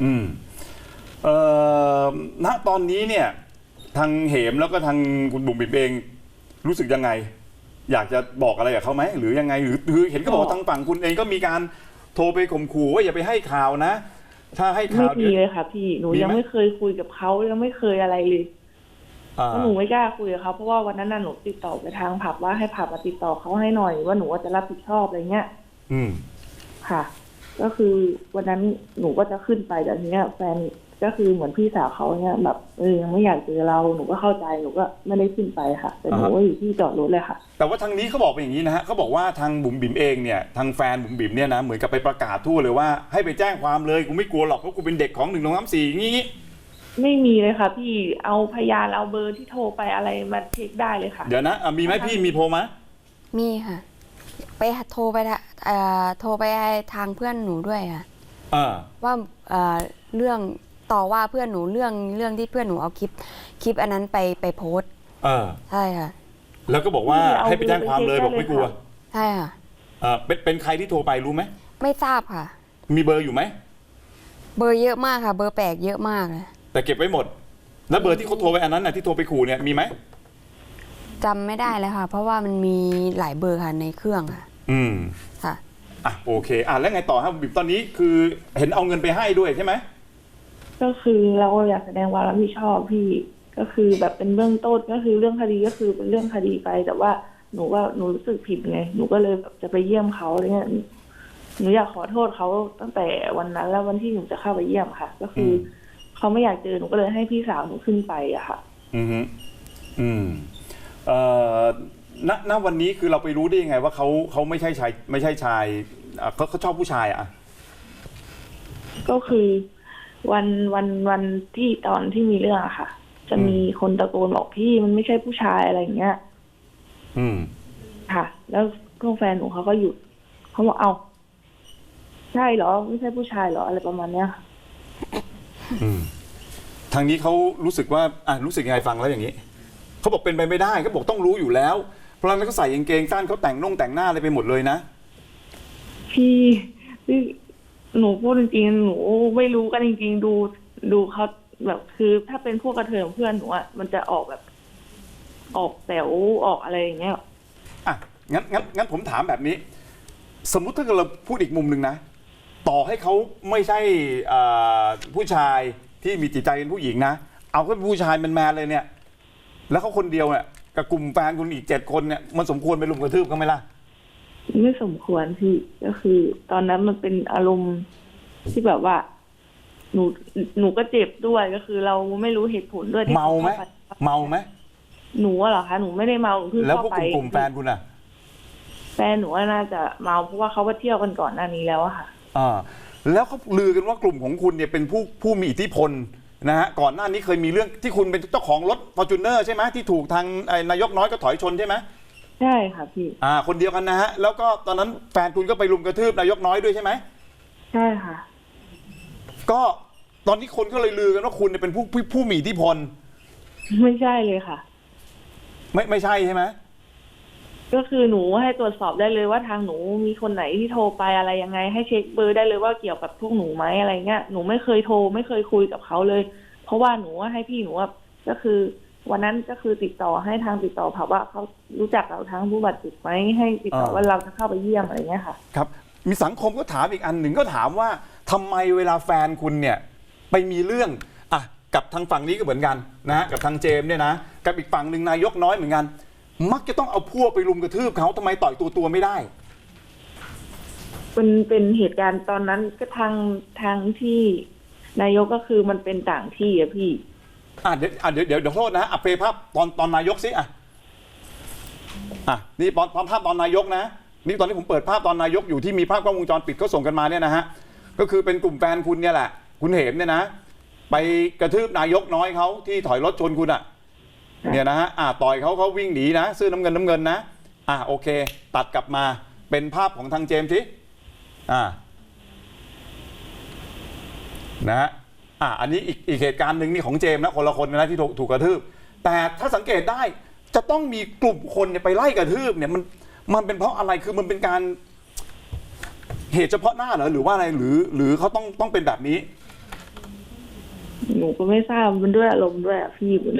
[SPEAKER 1] ณตอนนี้เนี่ยทางเหมแล้วก็ทางคุณบุ๋มบิ๋มเองรู้สึกยังไงอยากจะบอกอะไรกับเขาไหมหรือยังไงหรือเห็นก็บอกว่าทางฝั่งคุณเองก็มีการโทรไปข่มขู่ว่าอย่าไปให้ข่าวนะถ้าให้ข่าว
[SPEAKER 6] ไม่มีเลยค่ะพี่หนูยังไม่เคยคุยกับเขายังไม่เคยอะไรเลยเพราะหนูไม่กล้าคุยกับเขาเพราะว่าวันนั้นน่ะหนูติดต่อไปทางผับว่าให้ผับมาติดต่อเขาให้หน่อยว่าหนูว่าจะรับผิดชอบอะไรเงี้ยค่ะก็คือวันนั้นหนูก็จะขึ้นไปแต่ทีเนี้ยแฟนก็คือเหมือนพี่สาวเขาเนี่ยแบบยังไม่อยากเจอเราหนูก็เข้าใจหนูก็ไม่ได้ขึ้นไปค่ะแต่หนูก็อยู่ที่จอดรถเลยค่ะ
[SPEAKER 1] แต่ว่าทางนี้เขาบอกเป็นอย่างนี้นะฮะเขาบอกว่าทางบุ๋มบิ๋มเองเนี่ยทางแฟนบุ๋มบิ๋มเนี่ยนะเหมือนกับไปประกาศทั่วเลยว่าให้ไปแจ้งความเลยกูไม่กลัวหรอกเพราะกูเป็นเด็กของ1 2 3 4งี้
[SPEAKER 6] ไม่มีเลยค่ะพี่เอาพยานเอาเบอร์ที่โทรไปอะไรมาเช็คได้เลยค่ะ
[SPEAKER 1] เดี๋ยวนะมีไหมพี่มีโทรไหม
[SPEAKER 5] มีค่ะไปโทรไปทางเพื่อนหนูด้วยค่ะว่าเรื่องต่อว่าเพื่อนหนูเรื่องที่เพื่อนหนูเอาคลิปอันนั้นไปโพสต์ใช่ค่ะ
[SPEAKER 1] แล้วก็บอกว่าให้ไปแจ้งความเลยบอกไม่กลัว
[SPEAKER 5] ใช่ค่ะ
[SPEAKER 1] เป็นใครที่โทรไปรู้ไหม
[SPEAKER 5] ไม่ทราบค่ะ
[SPEAKER 1] มีเบอร์อยู่ไหม
[SPEAKER 5] เบอร์เยอะมากค่ะเบอร์แปลกเยอะมากเลย
[SPEAKER 1] แต่เก็บไว้หมดแล้วเบอร์ที่เขาโทรไปอันนั้นน่ะที่โทรไปขู่เนี่ยมีไหม
[SPEAKER 5] จำไม่ได้เลยค่ะเพราะว่ามันมีหลายเบอร์ค่ะในเครื่องค่ะค่ะ
[SPEAKER 1] โอเคแล้วไงต่อครับบิ๊มตอนนี้คือเห็นเอาเงินไปให้ด้วยใช่ไหม
[SPEAKER 6] ก็คือเราอยากแสดงความรับผิดชอบพี่ก็คือแบบเป็นเบื้องต้นก็คือเรื่องคดีก็คือเป็นเรื่องคดีไปแต่ว่าหนูรู้สึกผิดไงหนูก็เลยแบบจะไปเยี่ยมเขาอะไรเงี้ยหนูอยากขอโทษเขาตั้งแต่วันนั้นแล้ววันที่หนูจะเข้าไปเยี่ยมค่ะก็คือเขาไม่อยากเจอหนูก็เลยให้พี่สาวหนูขึ้นไปอะค่ะ
[SPEAKER 1] ณวันนี้คือเราไปรู้ได้ยังไงว่าเขาไม่ใช่ชายเขาชอบผู้ชาย
[SPEAKER 6] ก็คือวันที่ตอนที่มีเรื่องอะค่ะจะมีคนตะโกนบอกพี่มันไม่ใช่ผู้ชายอะไรอย่างเงี้ยค่ะ แล้วก็แฟนหนูเขาก็หยุดเขาบอกเอาใช่เหรอไม่ใช่ผู้ชายเหรออะไรประมาณเนี้ย
[SPEAKER 1] ทางนี้เขารู้สึกว่ารู้สึกยังไงฟังแล้วอย่างนี้เขาบอกเป็นไปไม่ได้เขาบอกต้องรู้อยู่แล้วเพราะฉะนั้นเขาใส่กางเกงสั้นเขาแต่งหน้าอะไรไปหมดเลยนะ
[SPEAKER 6] พี่หนูพูดจริงๆหนูไม่รู้กันจริงๆดูเขาแบบคือถ้าเป็นพวกกระเทยเพื่อนหนูอ่ะมันจะออกแบบออกแถวออกอะไรอย่างเงี้ย
[SPEAKER 1] งั้นผมถามแบบนี้สมมุติถ้าเราพูดอีกมุมหนึ่งนะต่อให้เขาไม่ใช่ผู้ชายที่มีจิตใจเป็นผู้หญิงนะเอาแค่ผู้ชายแมนๆเลยเนี่ยแล้วเขาคนเดียวเนี่ยกับกลุ่มแฟนคุณอีก7 คนเนี่ยมันสมควรไปรุมกระทืบเขาไหมล่ะ
[SPEAKER 6] ไม่สมควรพี่ก็คือตอนนั้นมันเป็นอารมณ์ที่แบบว่าหนูก็เจ็บด้วยก็คือเราไม่รู้เหตุผลด้วย
[SPEAKER 1] เมาไหม
[SPEAKER 6] หนูเหรอคะหนูไม่ได้เมาคือ
[SPEAKER 1] แล้วพวกกลุ่มแฟนคุณอะ
[SPEAKER 6] แฟนหนูน่าจะเมาเพราะว่าเขาไปเที่ยวกันก่อนหน้านี้แล้วอะค่ะ
[SPEAKER 1] แล้วเขาลือกันว่ากลุ่มของคุณเนี่ยเป็นผู้มีอิทธิพลนะฮะก่อนหน้านี้เคยมีเรื่องที่คุณเป็นเจ้าของรถ Fortuner ใช่ไหมที่ถูกทางนายกน้อยก็ถอยชนใช่ไหม
[SPEAKER 6] ใช่ค่ะพี่
[SPEAKER 1] คนเดียวกันนะฮะแล้วก็ตอนนั้นแฟนคุณก็ไปรุมกระทืบนายกน้อยด้วยใช่ไหม
[SPEAKER 6] ใช่ค่ะ
[SPEAKER 1] ก็ตอนนี้คนก็เลยลือกันว่าคุณเป็นผู้มีอิทธิพล
[SPEAKER 6] ไม่ใช่เลยค่ะ
[SPEAKER 1] ไม่ใช่ใช่ไหม
[SPEAKER 6] ก็คือหนูให้ตรวจสอบได้เลยว่าทางหนูมีคนไหนที่โทรไปอะไรยังไงให้เช็คเบอร์ได้เลยว่าเกี่ยวกับพวกหนูไหมอะไรเงี้ยหนูไม่เคยโทรไม่เคยคุยกับเขาเลยเพราะว่าหนูให้พี่หนูก็คือวันนั้นก็คือติดต่อให้ทางติดต่อผับว่าเขารู้จักเราทั้งผู้บาดเจ็บไหมให้ติดต่อว่าเราจะเข้าไปเยี่ยมอะไรเงี้ยค่ะ
[SPEAKER 1] ครับมีสังคมก็ถามอีกอันหนึ่งก็ถามว่าทำไมเวลาแฟนคุณเนี่ยไปมีเรื่องกับทางฝั่งนี้ก็เหมือนกันนะกับทางเจมเนี่ยนะกับอีกฝั่งหนึ่งนายกน้อยเหมือนกันมักจะต้องเอาพวกไปรุมกระทืบเขาทำไมต่อยตัวไม่ได้
[SPEAKER 6] เป็นเหตุการณ์ตอนนั้นก็ทางที่นายกก็คือมันเป็นต่างที่อะพี่
[SPEAKER 1] เดี๋ยวโทษนะเพลย์ภาพตอนนายกสินี่ภาพตอนนายกนะนี่ตอนที่ผมเปิดภาพตอนนายกอยู่ที่มีภาพกล้องวงจรปิดเขาส่งกันมาเนี่ยนะฮะก็คือเป็นกลุ่มแฟนคุณเนี่ยแหละคุณเหมเนี่ยนะไปกระทืบนายกน้อยเขาที่ถอยรถชนคุณเนี่ยนะฮะต่อยเขาวิ่งหนีนะเสื้อน้ำเงินนะโอเคตัดกลับมาเป็นภาพของทางเจมส์สินะฮะอันนี้อีกเหตุการณ์หนึ่งนี่ของเจมส์นะคนละคนนะที่ถูกกระทืบแต่ถ้าสังเกตได้จะต้องมีกลุ่มคนเนี่ยไปไล่กระทืบเนี่ยมันเป็นเพราะอะไรคือมันเป็นการเหตุเฉพาะหน้าเหรอหรือว่าอะไรหรือเขาต้องเป็นแบบนี้
[SPEAKER 6] หนูก็ไม่ทราบมันด้วยอารมณ์ด้วยอะพี่มัน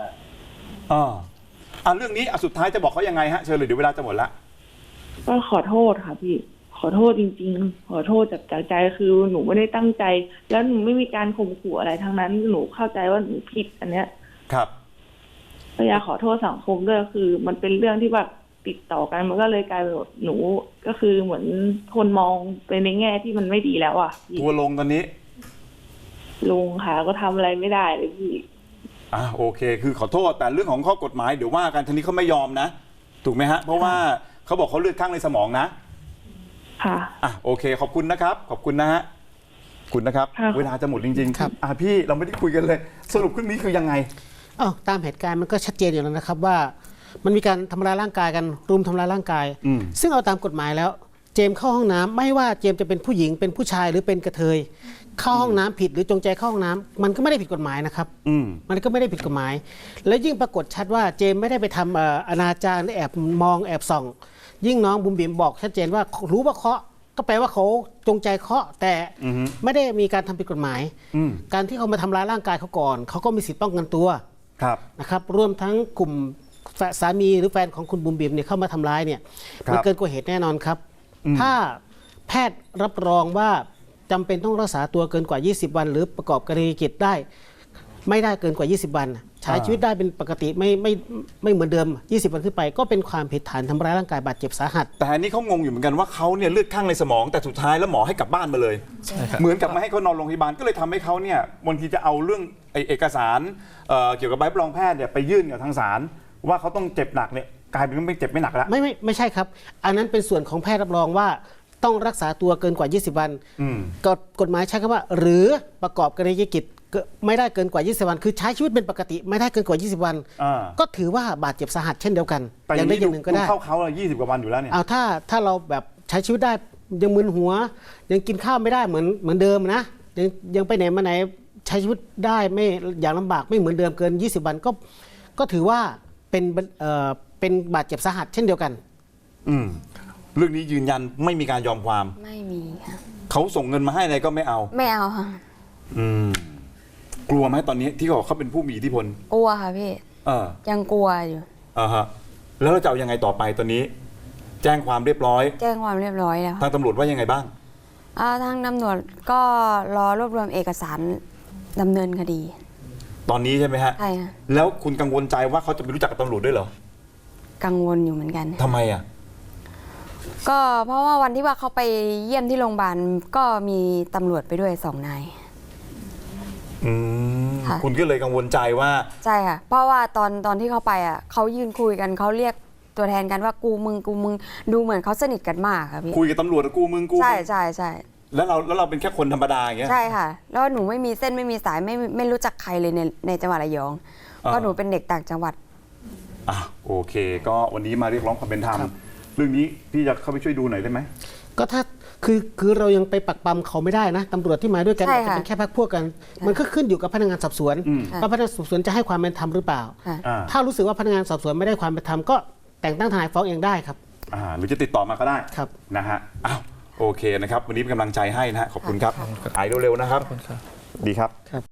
[SPEAKER 1] เรื่องนี้สุดท้ายจะบอกเขายังไงฮะเชิญเลยเดี๋ยวเวลาจะหมดละ
[SPEAKER 6] ก็ขอโทษค่ะพี่ขอโทษจริงๆขอโทษจากใจคือหนูไม่ได้ตั้งใจ แล้วหนูไม่มีการข่มขู่อะไรทั้งนั้นหนูเข้าใจว่าหนูผิดอันเนี้ย
[SPEAKER 1] ครับ
[SPEAKER 6] ก็อยากขอโทษสังคมด้วยคือ มันเป็นเรื่องที่แบบติดต่อกันมันก็เลยกลายเป็นแบบหนูก็คือเหมือนคนมองไปในแง่ที่มันไม่ดีแล้วอ่ะพี่
[SPEAKER 1] ทัวร์ลงตอนนี้
[SPEAKER 6] ลุงค่ะก็ทำอะไรไม่ได้เลยพี่
[SPEAKER 1] โอเคคือขอโทษแต่เรื่องของข้อกฎหมายเดี๋ยวว่ากันทีนี้เขาไม่ยอมนะถูกไหมฮะเพราะว่าเขาบอกเขาเลือดข้างในสมองนะ
[SPEAKER 6] ค่ะ
[SPEAKER 1] โอเคขอบคุณนะครับขอบคุณนะฮะคุณนะครับ
[SPEAKER 6] ค่ะ
[SPEAKER 1] เวลาจะหมดจริงๆ
[SPEAKER 2] ครับ
[SPEAKER 1] พี่เราไม่ได้คุยกันเลย สรุปเรื่องนี้คือยังไง
[SPEAKER 2] ตามเหตุการณ์มันก็ชัดเจนอยู่แล้วนะครับว่ามันมีการทำร้ายร่างกายกันรุมทำร้ายร่างกาย ซึ่งเอาตามกฎหมายแล้วเจมส์เข้าห้องน้ำไม่ว่าเจมส์จะเป็นผู้หญิงเป็นผู้ชายหรือเป็นกระเทยเข้าห้องน้ำผิดหรือจงใจเข้าห้องน้ำมันก็ไม่ได้ผิดกฎหมายนะครับมันก็ไม่ได้ผิดกฎหมาย และยิ่งปรากฏชัดว่าเจมส์ไม่ได้ไปทำอนาจารแอบมองแอบส่อง ยิ่งน้องบุ๋มบิ๋มบอกชัดเจนว่ารู้ว่าเคาะก็แปลว่าเขาจงใจเคาะแต่ไม่ได้มีการทำผิดกฎหมายการที่เขามาทำร้ายร่างกายเขาก่อนเขาก็มีสิทธิ์ป้องกันตัวนะครับรวมทั้งกลุ่มสามีหรือแฟนของคุณบุ๋มบิ๋มเนี่ยเข้ามาทำร้ายเนี่ยมันเกินกว่าเหตุแน่นอนครับถ้าแพทย์รับรองว่าจำเป็นต้องรักษาตัวเกินกว่า20วันหรือประกอบกรณียกิจได้ไม่ได้เกินกว่า20วันใช้ชีวิตได้เป็นปกติไม่เหมือนเดิม20วันขึ้นไปก็เป็นความผิดฐานทำร้ายร่างกายบาดเจ็บสาหัส
[SPEAKER 1] แต่อันนี้เขางงอยู่เหมือนกันว่าเขาเนี่ยเลือดข้างในสมองแต่สุดท้ายแล้วหมอให้กลับบ้านมาเลยเหมือนกับไม่ให้เขานอนโรงพยาบาลก็เลยทำให้เขาเนี่ยบางทีจะเอาเรื่องเอกสารเกี่ยวกับใบรับรองแพทย์เนี่ยไปยื่นกับทางศาลว่าเขาต้องเจ็บหนักเนี่ยกลายเป็นไม่เจ็บไม่หนักแล้ว
[SPEAKER 2] ไม่ใช่ครับอันนั้นเป็นส่วนของแพทย์รับรองว่าต้องรักษาตัวเกินกว่า20วันกฎหมายใช้คำว่าหรือประกอบกรณียกิจไม่ได้เกินกว่า20วันคือใช้ชีวิตเป็นปกติไม่ได้เกินกว่า20วันก็ถือว่าบาดเจ็บสาหัสเช่นเดียวกัน
[SPEAKER 1] อย่าง
[SPEAKER 2] ใดอย่างหนึ่งก็ได้
[SPEAKER 1] เขา20กว่าวันอยู่แล้วเนี่ย
[SPEAKER 2] ถ้าเราแบบใช้ชีวิตได้ยังมึนหัวยังกินข้าวไม่ได้เหมือนเดิมนะยังไปไหนมาไหนใช้ชีวิตได้ไม่อย่างลำบากไม่เหมือนเดิมเกิน20วันก็ถือว่าเป็นบาดเจ็บสาหัสเช่นเดียวกัน
[SPEAKER 1] เรื่องนี้ยืนยันไม่มีการยอมความ
[SPEAKER 5] ไม่มีค่ะ
[SPEAKER 1] เขาส่งเงินมาให้อะไรก็ไม่เอา
[SPEAKER 5] ค่ะ
[SPEAKER 1] กลัวไหมตอนนี้ที่เขาเป็นผู้มีอิทธิพล
[SPEAKER 5] กลัวค่ะพี่ยังกลัวอยู่
[SPEAKER 1] แล้วเราจะเอายังไงต่อไปตอนนี้แจ้งความเรียบร้อย
[SPEAKER 5] แจ้งความเรียบร้อยแล้ว
[SPEAKER 1] ทางตำรวจว่ายังไงบ้าง
[SPEAKER 5] ทางตำรวจก็รอรวบรวมเอกสารดำเนินคดี
[SPEAKER 1] ตอนนี้ใช่ไหมฮะ
[SPEAKER 5] ใช่ค่ะ
[SPEAKER 1] แล้วคุณกังวลใจว่าเขาจะไปรู้จักกับตำรวจด้วยเหรอ
[SPEAKER 5] กังวลอยู่เหมือนกัน
[SPEAKER 1] ทำไม
[SPEAKER 5] ก็เพราะว่าวันที่ว่าเขาไปเยี่ยมที่โรงพยาบาลก็มีตำรวจไปด้วย2 นาย
[SPEAKER 1] คุณก็เลยกังวลใจว่า
[SPEAKER 5] ใช่ค่ะเพราะว่าตอนที่เขาไปเขายืนคุยกันเขาเรียกตัวแทนกันว่ากูมึงดูเหมือนเขาสนิทกันมากค่ะพี่
[SPEAKER 1] คุยกับตำรวจกูมึง
[SPEAKER 5] ใช่
[SPEAKER 1] แล้วเราเป็นแค่คนธรรมดาอย่างเงี้ย
[SPEAKER 5] ใช่ค่ะแล้วหนูไม่มีเส้นไม่มีสายไม่รู้จักใครเลยในจังหวัดระยองเพราะหนูเป็นเด็กต่างจังหวัด
[SPEAKER 1] โอเคก็วันนี้มาเรียกร้องความเป็นธรรมเรื่องนี้พี่จะเข้าไปช่วยดูหน่อยได้ไหม
[SPEAKER 2] ก็ถ้าคือเรายังไปปักปั๊มเขาไม่ได้นะตำรวจที่มาด้วยกันอาจจะเป็นแค่พรรคพวกกันมันก็ขึ้นอยู่กับพนักงานสอบสวนว่าพนักงานสอบสวนจะให้ความเป็นธรรมหรือเปล่าถ้ารู้สึกว่าพนักงานสอบสวนไม่ได้ความเป็นธรรมก็แต่งตั้งทนายฟ้องเองได้ครับ
[SPEAKER 1] หรือจะติดต่อมาก็ได้
[SPEAKER 2] ครับ
[SPEAKER 1] นะฮะโอเคนะครับวันนี้เป็นกำลังใจให้นะฮะขอบคุณครับหายเร็วๆนะครับดีครับ